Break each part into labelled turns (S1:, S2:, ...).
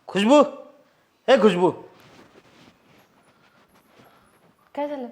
S1: खुशबू, हे खुशबू,
S2: काय झालं?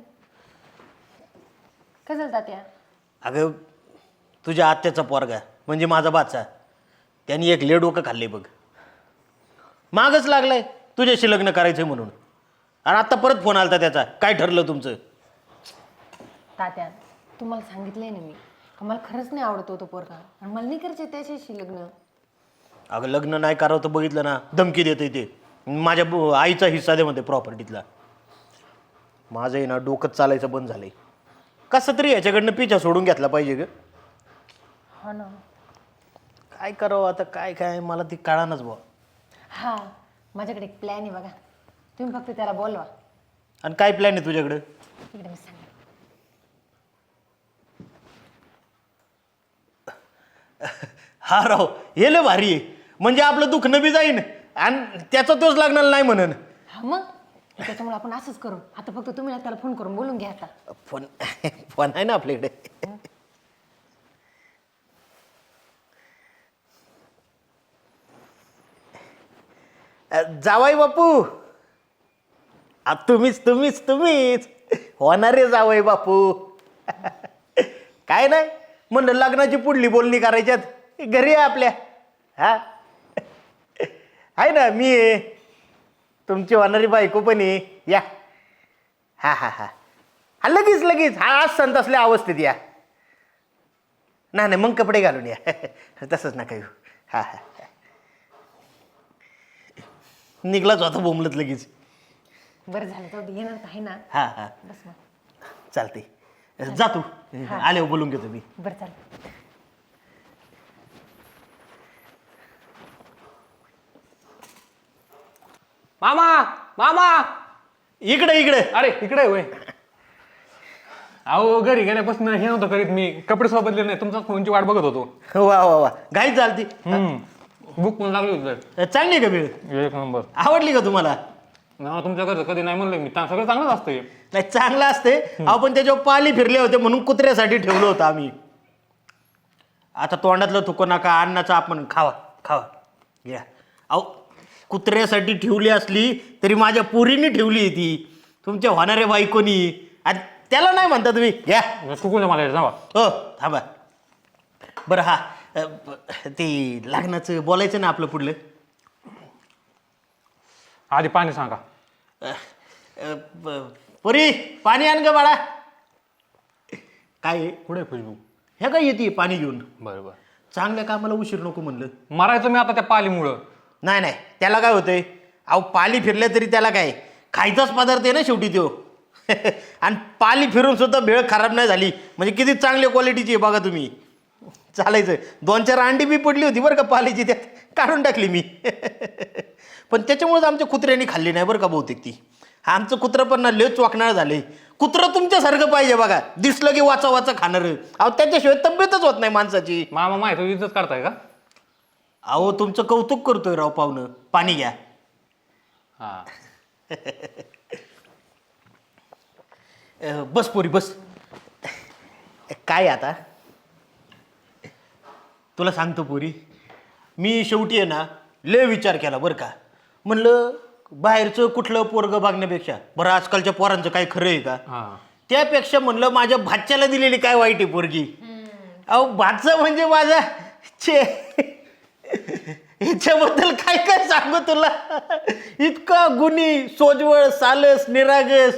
S2: काय झालं तात्या?
S1: अगं तुझ्या आत्याचा पोरगा म्हणजे माझा बाचा, त्यांनी एक ले डोकं खाल्ले बघ. मागच लागलाय तुझ्याशी लग्न करायचंय म्हणून. आणि आत्ता परत फोन आलता त्याचा. काय ठरलं तुमचं?
S2: तात्या, तुम्हाला सांगितलंय ना मी, का मला खरंच नाही आवडतो तो पोरगा आणि मला नाही करायचं त्याच्याशी लग्न.
S1: अगं लग्न नाही करावं तर बघितलं ना, धमकी देते ते. माझ्या आईचा हिस्सा दे म्हणते प्रॉपर्टीतला. माझं आहे ना डोकंच चालायचं बंद झालंय. कसं तरी याच्याकडनं पिछा सोडून घेतला पाहिजे ग.
S2: हा ना.
S1: काय करावं आता, काय काय मला ती कळानच बुवा.
S2: हा, माझ्याकडे एक प्लॅन आहे बघा, तुम्ही फक्त त्याला बोलवा.
S1: आणि काय प्लॅन आहे तुझ्याकडं?
S2: इकडे मी सांग.
S1: हा राव, हे लय भारी आहे. म्हणजे आपलं दुखणं बी जाईन आणि त्याचा तोच लागणार नाही म्हणून.
S2: हा मग त्याच्यामुळे आपण असंच करू. आता फक्त तुम्ही ना त्याला फोन करून बोलून घ्या आता.
S1: फोन फोन आहे ना आपल्याकडे. जावाई बापू, तुम्हीच तुम्हीच तुम्हीच होणारे जावाई बापू. काय नाही म्हणलं, लग्नाची पुढली बोलणी करायच्यात घरी आहे आपल्या. हा आहे ना, मी आहे, तुमची होणारी बायको पण आहे. या हा हा हा हा, लगेच लगेच. हा आज संत असल्या अवस्थेत या. नाही नाही मग कपडे घालून या. तसंच नका येऊ. हा हा, निघलाच होता बोंबलत लगेच.
S2: बरं झालं, जाऊ दे, येणार तर आहे ना.
S1: हा हा
S2: बस मग.
S1: चालते, जा तू. आल्यावर बोलून घेतो मी.
S2: बरं चालेल.
S3: मामा मामा,
S1: इकडे इकडे.
S3: अरे इकडे होय. अहो घरी गेल्यापासून हे नव्हतं करीत, मी कपडे सोबतले नाही, तुमचा फोनची वाट बघत होतो.
S1: वा वा वा, घाई चालती.
S3: बुक पण लागली होती.
S1: चांगली आहे का वेळ?
S3: एक नंबर.
S1: आवडली का तुम्हाला?
S3: ना तुमच्या घरचं कधी नाही म्हणलं मी, सगळं चांगलंच असतं.
S1: नाही चांगलं असते. आपण त्याच्यावर पाली फिरले होते म्हणून कुत्र्यासाठी ठेवलं होतं आम्ही. आता तोंडातलं थुको नका, अन्नाचा आपण खावा खावा घ्या. अहो कुत्र्यासाठी ठेवली असली तरी माझ्या पोरीने ठेवली ती, तुमच्या होणाऱ्या बायकोनी. आणि त्याला नाही म्हणता तुम्ही. घ्या.
S3: चुकून मला जावा.
S1: हो थांबा. बरं हा, ते लग्नाचं बोलायचं ना आपलं पुढलं.
S3: आधी पाणी सांगा.
S1: पुरी पाणी आण ग बाळा. काय आहे?
S3: पुढे खुशबू.
S1: ह्या काय येते पाणी घेऊन?
S3: बरं बरं.
S1: चांगल्या कामाला उशीर नको म्हणलं.
S3: मरायचं मी आता त्या पालीमुळं.
S1: नाही नाही, त्याला काय होतंय, अहो पाली फिरल्या तरी त्याला काय, खायचाच पदार्थ आहे ना शेवटी तो. आणि पाली फिरून सुद्धा भेळ खराब नाही झाली म्हणजे किती चांगल्या क्वालिटीची आहे बघा तुम्ही. चालायचं. 2-4 अंडी बी पडली होती बरं का पालीची, त्यात काढून टाकली मी. पण त्याच्यामुळेच आमच्या कुत्र्यांनी खाल्ली नाही बरं का बहुतेक ती. आमचं कुत्रं पण ना लय चोकणार झाले. कुत्रं तुमच्यासारखं पाहिजे बघा, दिसलं की वाचा वाचा खाणारं. अहो त्याच्याशिवाय तब्येतच होत नाही माणसाची.
S3: मामा माहिती इज्जत काढताय का?
S1: अहो तुमचं कौतुक करतोय राव पाहुणं. पाणी घ्या.
S3: हा.
S1: बस पोरी बस. काय आता तुला सांगतो पोरी, मी शेवटी आहे ना लय विचार केला बरं का. म्हणलं बाहेरचं कुठलं पोरगं बघण्यापेक्षा, बरं आजकालच्या पोरांचं काय खरं आहे का, त्यापेक्षा म्हणलं माझ्या भाच्याला दिलेली काय वाईट आहे पोरगी. अहो भाचा म्हणजे माझा ह्याच्याबद्दल काय काय सांगू तुला. इतका गुणी, सोजवळ, सालस, निरागस,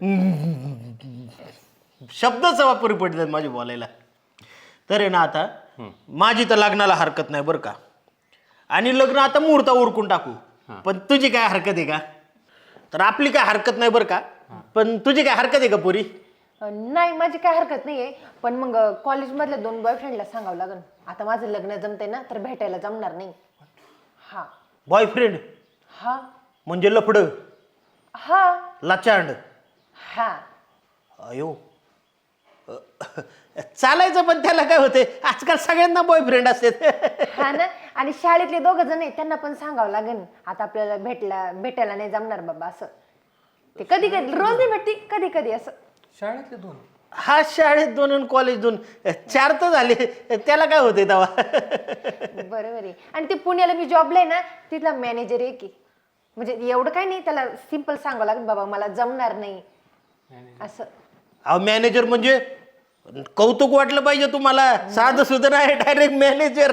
S1: शब्दच वापर पडतात माझे बोलायला. तर आहे ना आता माझी तर लग्नाला हरकत नाही बरं का. आणि लग्न आता मुहूर्ता उरकून टाकू. पण तुझी काय हरकत आहे का? तर आपली काय हरकत नाही बरं का. पण तुझी काय हरकत आहे का पोरी?
S2: नाही, माझी काय हरकत नाहीये, पण मग कॉलेजमधल्या 2 बॉयफ्रेंडला सांगावं लागेल. आता माझं लग्न जमतंय ना, तर भेटायला जमणार नाही. हा.
S1: बॉयफ्रेंड
S2: हा.
S1: म्हणजे लफड,
S2: हा.
S1: लाचांड.
S2: हा.
S1: अयो चालायचं, पण त्याला काय होते, आजकाल सगळ्यांना बॉयफ्रेंड असतात.
S2: हा ना. आणि शाळेतले 2 जण आहेत, त्यांना पण सांगावं लागेल. आता आपल्याला भेटायला नाही जमणार बाबा असं. ते कधी कधी रोज नाही भेटती, कधी कधी असं.
S3: शाळेतले 2?
S1: हा शाळेत 2 आणि कॉलेज 2, 4 तर झाले. त्याला काय होतंय तेव्हा?
S2: बरोबर आहे. आणि ते पुण्याला मी जॉबला आहे ना, तिथला मॅनेजर आहे की, म्हणजे एवढं काय नाही, त्याला सिंपल सांगावं लागेल बाबा मला जमणार नाही असं.
S1: अहो मॅनेजर म्हणजे कौतुक वाटलं पाहिजे तुम्हाला, साधं सुद्धा नाही, डायरेक्ट मॅनेजर.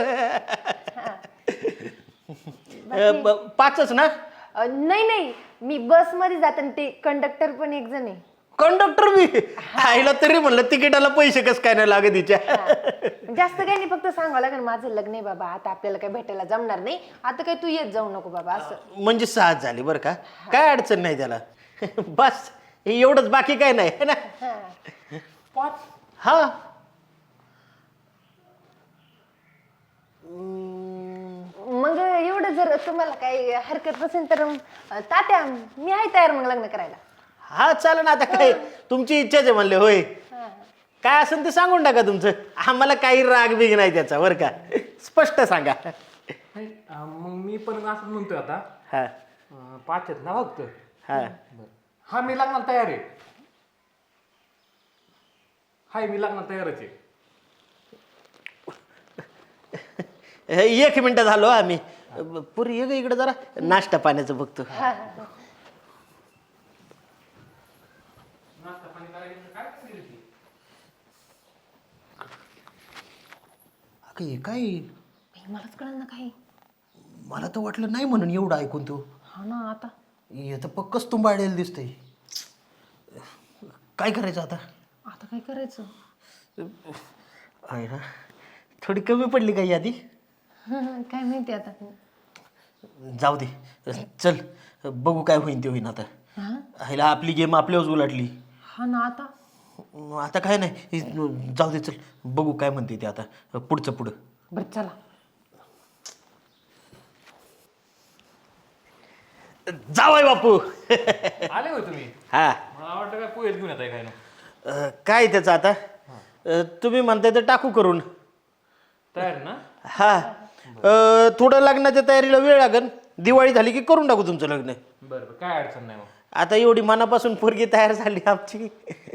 S1: 5च ना?
S2: नाही नाही, मी बसमध्ये जाते आणि ते कंडक्टर पण एक जण आहे.
S1: कंडक्टर मी आईला तरी म्हणलं तिकिटाला पैसे कस काय नाही लागत तिच्या.
S2: जास्त काही नाही, फक्त सांगावं लागेल माझं लग्न आहे बाबा, आता आपल्याला काही भेटायला जमणार नाही, आता काही तू येत जाऊ नको बाबा असं.
S1: म्हणजे 6 झाली बरं का, काय अडचण नाही त्याला. बस हे एवढंच, बाकी काय नाही है ना. हा
S2: मग एवढं जर तुम्हाला काही हरकत नसेल तर तात्या मी आहे तयार मग लग्न करायला.
S1: हा चालेल ना, आता काय तुमची इच्छाच आहे म्हणले. होय काय असेल ते सांगून टाका तुमचं, आम्हाला काही राग बिग नाही त्याचा बरं का, स्पष्ट सांगा.
S3: नाही, मग मी पण असंच म्हणतोय आता.
S1: हा
S3: 5 आहेत ना फक्त.
S1: हा
S3: हा मी लग्नाला तयार आहे. हाय मी लग्नाला तयारच आहे.
S1: 1 मिनिट झालो आम्ही. पुरी ये ग इकडे जरा, नाश्ता पाण्याचं बघतो. अगं हे काय,
S2: मलाच कळलं ना काही.
S1: मला तर वाटलं नाही म्हणून एवढं ऐकून तू.
S2: हा ना, आता
S1: हे तर पक्कच तुंबाळलेलं दिसतंय. काय करायचं आता?
S2: आता काय करायचं?
S1: आहे ना, थोडी कमी पडली का यादी?
S2: काय माहिती आता.
S1: जाऊ दे, चल बघू काय होईन ते होईन. आता ह्याला आपली गेम आपल्यावर उलटली.
S2: हा ना, आता
S1: आता काय नाही, जाऊ दे, चल बघू काय म्हणते ते आता पुढचं पुढं.
S2: बरं चला.
S1: जावय बापू.
S3: आले होय तुम्ही?
S1: हा
S3: मला वाटतं काय पोहेच घेऊन येत आहे काय ना.
S1: काय त्याचं आता, तुम्ही म्हणताय तर टाकू करून.
S3: तयार ना?
S1: हा थोडं लग्नाच्या तयारीला वेळ लागेल, दिवाळी झाली की करून टाकू तुमचं लग्न.
S3: बरं बरं, काय अडचण नाही मग.
S1: आता एवढी मनापासून पोरगी तयार झाली आमची.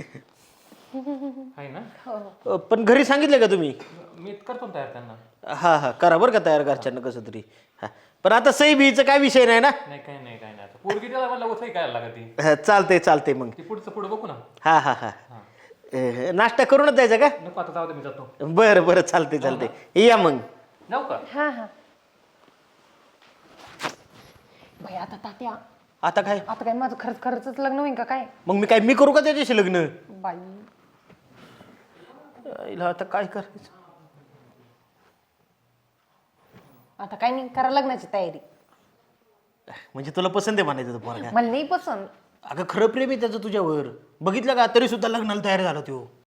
S3: आहे ना?
S1: पण घरी सांगितलं का तुम्ही?
S3: मी करतो ना तयार त्यांना.
S1: हा हा करा बरं का तयार, घरच्यांना कसं तरी. हा पण आता सही बीचा काय विषय नाही ना?
S3: नाही काय नाही काय नाही. आता पोरगी त्याला मला उठाई काय लागत ती.
S1: चालतंय चालतंय मग.
S3: ती पुढचं पुढं बघू ना.
S1: हा हा हा नाश्ता करूनच जायचा का?
S3: नको आता, जाऊ दे मी जातो.
S1: बरं बरं चालतंय चालतंय, या मग.
S3: जाऊ का?
S2: हा हा. बाई आता तात्या,
S1: आता काय?
S2: आता काय माझं खरंच खरंच लग्न होईल का काय?
S1: मग मी करू का त्याच्याशी लग्न?
S2: बाई
S1: हिला आता काय करायचं?
S2: आता काय नाही, करा लग्नाची तयारी.
S1: म्हणजे तुला पसंत आहे म्हणायचं तो पोरगा?
S2: मला नाही पसंत.
S1: अगं खरं प्रेम आहे त्याचं तुझ्यावर, बघितलं का? तरी सुद्धा लग्नाला तयार झाला तो.